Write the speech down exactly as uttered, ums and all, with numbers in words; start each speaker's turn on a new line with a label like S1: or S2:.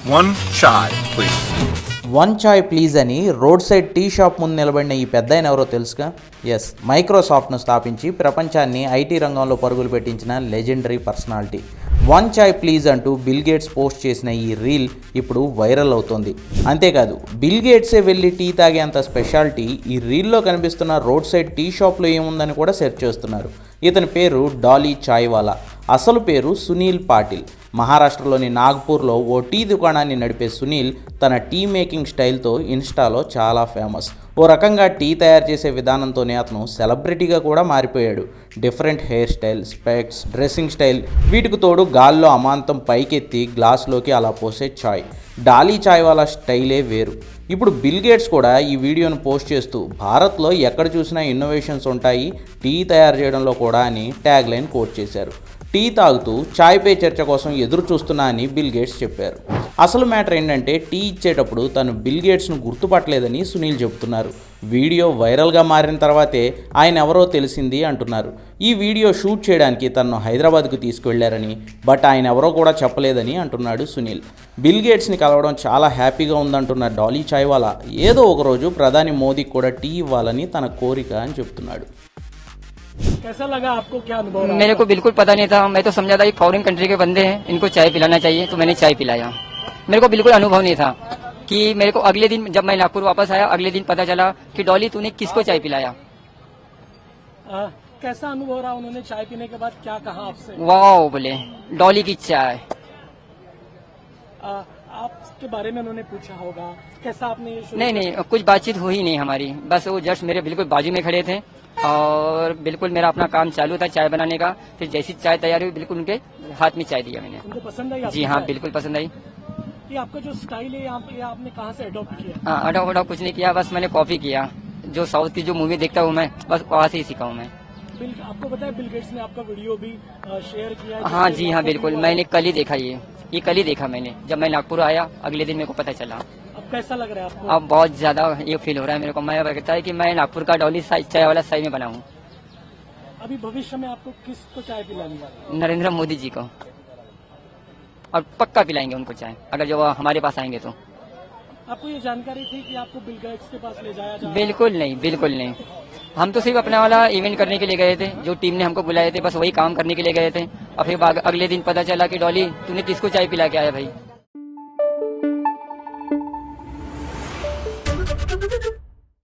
S1: One chai, please.
S2: One chai please అని road side tea shop ముందు నిలబడిన ఈ పెద్ద ఆయన ఎవరో తెలుసుగా? ఎస్, మైక్రోసాఫ్ట్ను స్థాపించి ప్రపంచాన్ని ఐటీ రంగంలో పరుగులు పెట్టించిన legendary personality. One chai please అంటూ బిల్ గేట్స్ పోస్ట్ చేసిన ఈ రీల్ ఇప్పుడు వైరల్ అవుతోంది. అంతేకాదు, బిల్ గేట్సే వెళ్ళి టీ తాగేంత స్పెషాలిటీ ఈ రీల్లో కనిపిస్తున్న రోడ్ సైడ్ టీ షాప్లో ఏముందని కూడా సెర్చ్ చేస్తున్నారు. ఇతని పేరు డాలీ చాయ్వాలా. అసలు పేరు సునీల్ పాటిల్. మహారాష్ట్రలోని నాగ్పూర్లో ఓ టీ దుకాణాన్ని నడిపే సునీల్ తన టీ మేకింగ్ స్టైల్తో ఇన్స్టాలో చాలా ఫేమస్. ఓ రకంగా టీ తయారు చేసే విధానంతోనే అతను సెలబ్రిటీగా కూడా మారిపోయాడు. Different hair style, specs, dressing style, వీటికి తోడు గాల్లో అమాంతం పైకెత్తి గ్లాసులోకి అలా పోసే చాయ్. డాలీ చాయ్ వాళ్ళ స్టైలే వేరు. ఇప్పుడు బిల్ గేట్స్ కూడా ఈ వీడియోను పోస్ట్ చేస్తూ భారత్లో ఎక్కడ చూసినా ఇన్నోవేషన్స్ ఉంటాయి, టీ తయారు చేయడంలో కూడా అని ట్యాగ్ లైన్ కోట్ చేశారు. టీ తాగుతూ చాయ్ పే చర్చ కోసం ఎదురు చూస్తున్నా అని బిల్ గేట్స్ చెప్పారు. అసలు మ్యాటర్ ఏంటంటే, టీ ఇచ్చేటప్పుడు తను బిల్ గేట్స్ను గుర్తుపట్టలేదని సునీల్ చెబుతున్నారు. వీడియో వైరల్గా మారిన తర్వాతే ఆయన ఎవరో తెలిసింది అంటున్నారు. ఈ వీడియో షూట్ చేయడానికి తనను హైదరాబాద్కు తీసుకువెళ్లారని, బట్ ఆయన ఎవరో కూడా చెప్పలేదని అంటున్నాడు సునీల్. బిల్ గేట్స్ని కలవడం చాలా హ్యాపీగా ఉందంటున్న డాలీ చాయ్వాలా ఏదో ఒకరోజు ప్రధాని మోదీకి కూడా టీ ఇవ్వాలని తన కోరిక అని చెప్తున్నాడు.
S3: कैसा लगा आपको, क्या अनुभव रहा?
S4: मेरे को बिल्कुल पता नहीं था। मैं तो समझा था कि फॉरेन कंट्री के बंदे हैं, इनको चाय पिलाना चाहिए, तो मैंने चाय पिलाया। मेरे को बिल्कुल अनुभव नहीं था कि मेरे को अगले दिन जब मैं नागपुर वापस आया, अगले दिन पता चला कि डॉली तूने किसको चाय पिलाया।
S3: आ, कैसा अनुभव रहा? उन्होंने चाय पीने के बाद क्या कहा आपसे?
S4: वाह बोले, डॉली की चाय।
S3: आ, आपके बारे में उन्होंने पूछा होगा, कैसा आपने ये शुरू
S4: नहीं नहीं, कुछ बातचीत हुई नहीं हमारी, बस वो जस्ट मेरे बिल्कुल बाजू में खड़े थे और बिल्कुल मेरा अपना काम चालू था चाय बनाने का। फिर जैसी चाय तैयार हुई, बिल्कुल उनके हाथ में चाय दिया मैंने।
S3: उनको पसंद आई?
S4: जी हाँ, बिल्कुल पसंद आई।
S3: ये आपका जो स्टाइल है यहाँ पे, आपने कहाँ से अडॉप्ट किया?
S4: हाँ, अडॉप्ट अडॉप्ट कुछ नहीं किया, बस मैंने कॉपी किया। जो साउथ की जो मूवी देखता हूँ मैं, बस वहाँ से ही सीखा हूँ मैं।
S3: बिल, आपको पता है बिल गेट्स ने आपका वीडियो भी शेयर किया है?
S4: हाँ
S3: जिससे
S4: जी हाँ,
S3: आपको
S4: बिल्कुल,
S3: भी
S4: मैंने कल ही देखा ये ये कल ही देखा मैंने। जब मैं नागपुर आया, अगले दिन मेरे को पता चला।
S3: अब कैसा लग रहा है आपको?
S4: अब बहुत ज्यादा ये फील हो रहा है मेरे को। मैं कहता है कि मैं नागपुर का डॉली चाय वाला सही में बना हूँ।
S3: अभी भविष्य में आपको किसको चाय पिलानी है?
S4: नरेंद्र मोदी जी को, और पक्का पिलाएंगे उनको चाय, अगर जो वो हमारे पास आएंगे तो।
S3: आपको ये जानकारी थी कि आपको बिल गेट्स के पास ले जाया जाए?
S4: बिल्कुल नहीं, बिल्कुल नहीं। हम तो सिर्फ अपना वाला इवेंट करने के लिए गए थे, जो टीम ने हमको बुलाए थे, बस वही काम करने के लिए गए थे। और फिर अगले दिन पता चला कि डॉली तूने किसको चाय पिला के आया भाई।